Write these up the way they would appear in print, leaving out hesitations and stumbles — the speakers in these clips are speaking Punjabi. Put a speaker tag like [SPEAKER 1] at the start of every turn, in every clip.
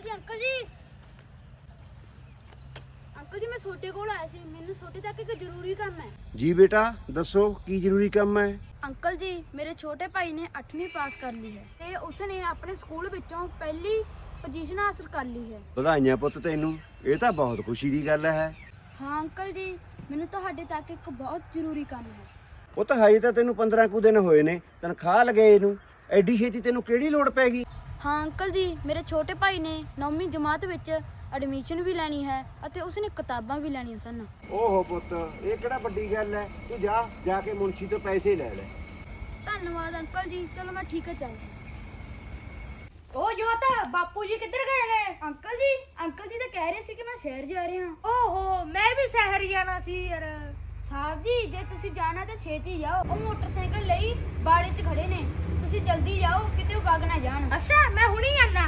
[SPEAKER 1] ਅੰਕਲ ਜੀ ਮੈਂ ਛੋਟੇ ਕੋਲ ਆਇਆ ਸੀ। ਮੈਨੂੰ ਛੋਟੇ ਤੱਕ ਇੱਕ ਜ਼ਰੂਰੀ ਕੰਮ ਹੈ।
[SPEAKER 2] ਜੀ ਬੇਟਾ ਦੱਸੋ ਕੀ ਜ਼ਰੂਰੀ ਕੰਮ ਹੈ।
[SPEAKER 1] ਅੰਕਲ ਜੀ ਮੇਰੇ ਛੋਟੇ ਭਾਈ ਨੇ 8ਵੀਂ ਪਾਸ ਕਰ ਲਈ ਹੈ ਤੇ ਉਸਨੇ ਆਪਣੇ ਸਕੂਲ ਵਿੱਚੋਂ ਪਹਿਲੀ ਪੋਜੀਸ਼ਨ ਹਾਸਲ ਕਰ ਲਈ ਹੈ।
[SPEAKER 2] ਵਧਾਈਆਂ ਪੁੱਤ ਤੈਨੂੰ, ਇਹ ਤਾਂ ਬਹੁਤ ਖੁਸ਼ੀ ਦੀ ਗੱਲ ਹੈ।
[SPEAKER 1] ਹਾਂ ਅੰਕਲ ਜੀ, ਮੈਨੂੰ ਤੁਹਾਡੇ ਤੱਕ ਇੱਕ ਬਹੁਤ ਜ਼ਰੂਰੀ ਕੰਮ ਹੈ।
[SPEAKER 2] ਉਹ ਤਾਂ ਹਜੇ ਤਾਂ ਤੈਨੂੰ 15 ਕੁ ਦਿਨ ਹੋਏ ਨੇ ਤਨਖਾਹ ਲਗਾਏ ਨੂੰ, ਐਡੀ ਛੇਤੀ ਤੈਨੂੰ ਕਿਹੜੀ ਲੋੜ ਪੈ ਗਈ।
[SPEAKER 1] ਹਾਂ ਅੰਕਲ ਜੀ, ਮੇਰੇ ਛੋਟੇ ਭਾਈ ਨੇ 9ਵੀਂ ਜਮਾਤ ਵਿੱਚ ਐਡਮਿਸ਼ਨ ਵੀ ਲੈਣੀ ਹੈ ਅਤੇ ਉਸਨੇ ਕਿਤਾਬਾਂ ਵੀ ਲੈਣੀਆਂ ਸਨ।
[SPEAKER 2] ਓਹੋ ਪੁੱਤ, ਇਹ ਕਿਹੜਾ ਵੱਡੀ ਗੱਲ ਹੈ। ਤੂੰ ਜਾ ਕੇ ਮੁਨਸ਼ੀ ਤੋਂ ਪੈਸੇ ਲੈ ਲੈ।
[SPEAKER 1] ਧੰਨਵਾਦ ਅੰਕਲ ਜੀ, ਚਲੋ ਮੈਂ ਠੀਕ ਹੈ ਚੱਲਦਾ। ਉਹ ਜੋਤ, ਬਾਪੂ ਜੀ ਕਿੱਧਰ ਗਏ ਨੇ? ਅੰਕਲ ਜੀ ਤਾਂ ਕਹਿ ਰਹੇ ਸੀ ਕਿ ਮੈਂ ਸ਼ਹਿਰ ਜਾ ਰਿਹਾ ਹਾਂ।
[SPEAKER 3] ਓਹੋ, ਮੈਂ ਵੀ ਸ਼ਹਿਰ ਜਾਣਾ ਸੀ ਯਾਰ।
[SPEAKER 1] ਸਾਹਿਬ ਜੀ, ਜੇ ਤੁਸੀਂ ਜਾਣਾ ਤਾਂ ਛੇਤੀ ਜਾਓ। ਉਹ ਮੋਟਰਸਾਈਕਲ ਲਈ ਬਾੜੇ 'ਚ ਖੜੇ ਨੇ, ਤੁਸੀਂ ਜਲਦੀ ਜਾਓ ਕਿਤੇ ਉਹ ਵਗ ਨਾ ਜਾਣ।
[SPEAKER 3] ਅੱਛਾ, ਮੈਂ ਹੁਣੀ ਆਣਾ।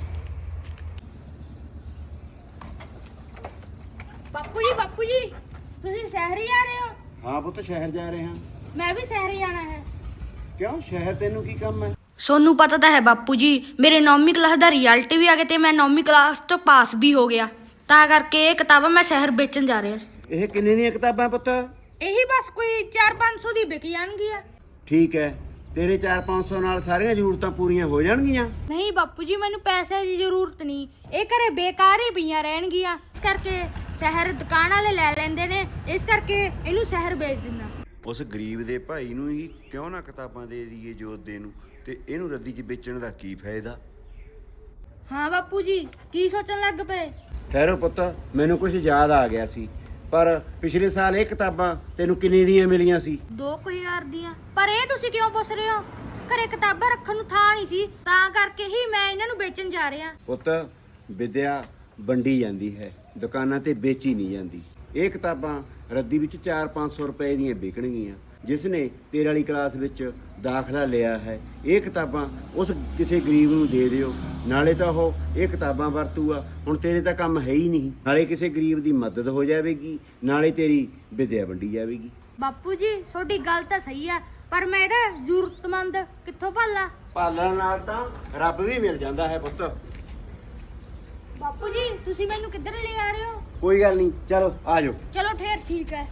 [SPEAKER 3] ਬਾਪੂ ਜੀ ਤੁਸੀਂ ਸ਼ਹਿਰ ਹੀ ਆ ਰਹੇ ਹੋ?
[SPEAKER 2] ਹਾਂ ਪੁੱਤ, ਸ਼ਹਿਰ ਜਾ ਰਹੇ ਹਾਂ।
[SPEAKER 3] ਮੈਂ ਵੀ ਸ਼ਹਿਰ ਹੀ ਜਾਣਾ ਹੈ।
[SPEAKER 2] ਕਿਉਂ, ਸ਼ਹਿਰ ਤੈਨੂੰ ਕੀ ਕੰਮ ਹੈ।
[SPEAKER 3] ਸੋਨੂੰ ਪਤਾ ਤਾਂ ਹੈ ਬਾਪੂ ਜੀ, ਮੇਰੇ 9ਵੀਂ ਕਲਾਸ ਦਾ ਰਿਜ਼ਲਟ ਵੀ ਆ ਗਿਆ ਤੇ ਮੈਂ 9ਵੀਂ ਕਲਾਸ ਤੋਂ ਪਾਸ ਵੀ ਹੋ ਗਿਆ। ਤਾਂ ਕਰਕੇ ਇਹ ਕਿਤਾਬਾਂ ਮੈਂ ਸ਼ਹਿਰ ਵੇਚਣ ਜਾ ਰਿਹਾ ਸੀ।
[SPEAKER 2] ਇਹ ਕਿੰਨੇ ਦੀਆਂ ਕਿਤਾਬਾਂ ਪੁੱਤ?
[SPEAKER 3] ਇਹੀ ਬਸ ਕੋਈ 400-500 ਦੀ ਵਿਕ ਜਾਣਗੀਆਂ।
[SPEAKER 2] ਠੀਕ ਹੈ, ਤੇਰੇ 400-500 ਨਾਲ ਸਾਰੀਆਂ ਜ਼ਰੂਰਤਾਂ ਪੂਰੀਆਂ ਹੋ ਜਾਣਗੀਆਂ।
[SPEAKER 3] ਨਹੀਂ ਬਾਪੂ ਜੀ, ਮੈਨੂੰ ਪੈਸੇ ਦੀ ਜ਼ਰੂਰਤ ਨਹੀਂ, ਇਹ ਘਰੇ ਬੇਕਾਰ ਹੀ ਪਈਆਂ ਰਹਿਣਗੀਆਂ। ਇਸ ਕਰਕੇ ਸ਼ਹਿਰ ਦੁਕਾਨ ਵਾਲੇ ਲੈ ਲੈਂਦੇ ਨੇ, ਇਸ ਕਰਕੇ ਇਹਨੂੰ ਸ਼ਹਿਰ ਵੇਚ ਦਿੰਦਾ।
[SPEAKER 2] ਉਸ ਗਰੀਬ ਦੇ ਭਾਈ ਨੂੰ ਹੀ ਕਿਉਂ ਨਾ ਕਿਤਾਬਾਂ ਦੇ ਦਈਏ ਜੋਧੇ ਨੂੰ, ਤੇ ਇਹਨੂੰ ਰੱਦੀ 'ਚ ਵੇਚਣ ਦਾ ਕੀ ਫਾਇਦਾ।
[SPEAKER 3] ਹਾਂ ਬਾਪੂ ਜੀ, ਕੀ ਸੋਚਣ ਲੱਗ ਪਏ?
[SPEAKER 2] ਠਹਿਰੋ ਪੁੱਤ, ਮੈਨੂੰ ਕੁਝ ਯਾਦ ਆ ਗਿਆ ਸੀ। ਪਰ ਪਿਛਲੇ ਸਾਲ ਇਹ ਕਿਤਾਬਾਂ ਤੈਨੂੰ ਕਿੰਨੇ ਦੀਆਂ ਮਿਲੀਆਂ ਸੀ?
[SPEAKER 3] 2000 ਦੀਆਂ। ਪਰ ਇਹ ਤੁਸੀਂ ਕਿਉਂ ਪੁੱਛ ਰਹੇ ਹੋ? ਘਰੇ ਕਿਤਾਬਾਂ ਰੱਖਣ ਨੂੰ ਥਾਂ ਨਹੀਂ ਸੀ, ਤਾਂ ਕਰਕੇ ਹੀ ਮੈਂ ਇਹਨਾਂ ਨੂੰ ਵੇਚਣ ਜਾ ਰਿਹਾ।
[SPEAKER 2] ਪੁੱਤ, ਵਿਦਿਆ ਵੰਡੀ ਜਾਂਦੀ ਹੈ, ਦੁਕਾਨਾਂ ਤੇ ਵੇਚੀ ਨਹੀਂ ਜਾਂਦੀ। ਇਹ ਕਿਤਾਬਾਂ ਰੱਦੀ ਵਿੱਚ 400-500 ਰੁਪਏ ਦੀਆਂ ਵਿਕਣਗੀਆਂ। ਜਿਸ ਨੇ ਤੇਰੇ ਵਾਲੀ ਕਲਾਸ ਵਿੱਚ ਦਾਖਲਾ ਲਿਆ ਹੈ, ਇਹ ਕਿਤਾਬਾਂ ਉਸ ਕਿਸੇ ਗਰੀਬ ਨੂੰ ਦੇ ਦਿਓ, ਨਾਲੇ ਤਾਂ ਉਹ ਇਹ ਕਿਤਾਬਾਂ ਵਰਤੂਗਾ। ਹੁਣ ਤੇਰੇ ਤਾਂ ਕੰਮ ਹੈ ਹੀ ਨਹੀਂ, ਨਾਲੇ ਕਿਸੇ ਗਰੀਬ ਦੀ ਮਦਦ ਹੋ ਜਾਵੇਗੀ, ਨਾਲੇ ਤੇਰੀ ਵਿਦਿਆ ਵੰਡੀ ਜਾਵੇਗੀ।
[SPEAKER 3] ਬਾਪੂ ਜੀ, ਤੁਹਾਡੀ ਗੱਲ ਤਾਂ ਸਹੀ ਆ, ਪਰ ਮੈਂ ਇਹਦਾ ਜ਼ਰੂਰਤਮੰਦ ਕਿੱਥੋਂ ਭਾਲਾਂ?
[SPEAKER 2] ਪਾਲਣ ਨਾਲ ਤਾਂ ਰੱਬ ਵੀ ਮਿਲ ਜਾਂਦਾ ਹੈ ਪੁੱਤ।
[SPEAKER 3] ਬਾਪੂ ਜੀ, ਤੁਸੀਂ ਮੈਨੂੰ ਕਿੱਧਰ ਲੈ ਆ ਰਹੇ ਹੋ?
[SPEAKER 2] ਕੋਈ ਗੱਲ ਨਹੀਂ, ਚਲੋ ਆ ਜਾਓ।
[SPEAKER 3] ਚਲੋ ਫੇਰ ਠੀਕ ਹੈ।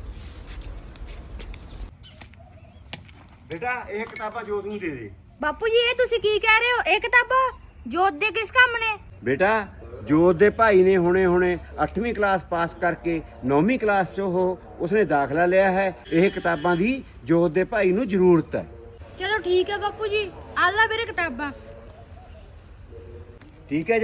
[SPEAKER 2] ਬੇਟਾ, ਇਹ ਕਿਤਾਬਾਂ ਜੋਤ ਨੂੰ ਦੇ ਦੇ।
[SPEAKER 3] ਬਾਪੂ ਜੀ, ਇਹ ਤੁਸੀਂ ਕੀ ਕਹਿ ਰਹੇ ਹੋ? ਇਹ ਕਿਤਾਬਾਂ ਜੋਤ ਦੇ ਕਿਸ ਕੰਮ ਨੇ?
[SPEAKER 2] ਬੇਟਾ, ਜੋਤ ਦੇ ਭਾਈ ਨੇ ਹੁਣੇ 8ਵੀਂ ਕਲਾਸ ਪਾਸ ਕਰਕੇ 9ਵੀਂ ਕਲਾਸ 'ਚ ਉਸਨੇ ਦਾਖਲਾ ਲਿਆ ਹੈ। ਇਹ ਕਿਤਾਬਾਂ ਦੀ ਜੋਤ ਦੇ ਭਾਈ ਨੂੰ ਜ਼ਰੂਰਤ ਹੈ।
[SPEAKER 3] ਚਲੋ ਠੀਕ ਹੈ ਬਾਪੂ ਜੀ, ਆਹ ਲੈ ਮੇਰੇ ਕਿਤਾਬਾਂ।
[SPEAKER 2] ਠੀਕ ਹੈ।